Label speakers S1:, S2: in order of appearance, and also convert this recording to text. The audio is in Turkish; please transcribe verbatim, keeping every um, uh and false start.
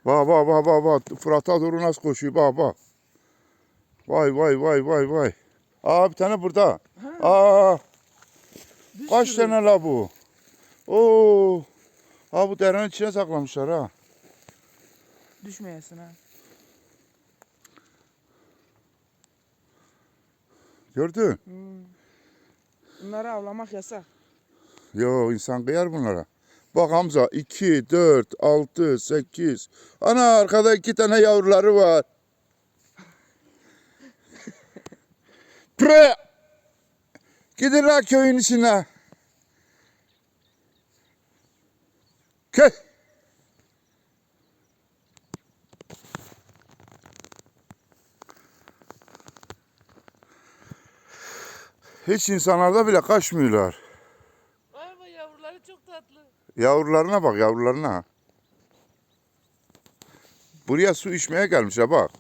S1: Bak bak bak bak bak. Fırat'a doğru nasıl koşuyor bak bak. Vay vay vay vay vay. Aa bir tane burada.
S2: Ha,
S1: Aa
S2: bir
S1: kaç
S2: sürü.
S1: tane la bu? Oo. Ha bu derenin içine saklamışlar ha.
S2: Düşmeyesin ha.
S1: Gördün?
S2: Hmm. Bunları avlamak yasak.
S1: Yo insan kıyar bunlara. Bak Hamza iki, dört, altı, sekiz. Ana arkada iki tane yavruları var. Pre! Gidin la köyün içine. Köy. Hiç insanlarda bile kaçmıyorlar.
S2: Ama yavruları çok tatlı.
S1: Yavrularına bak yavrularına. Buraya su içmeye gelmişler bak.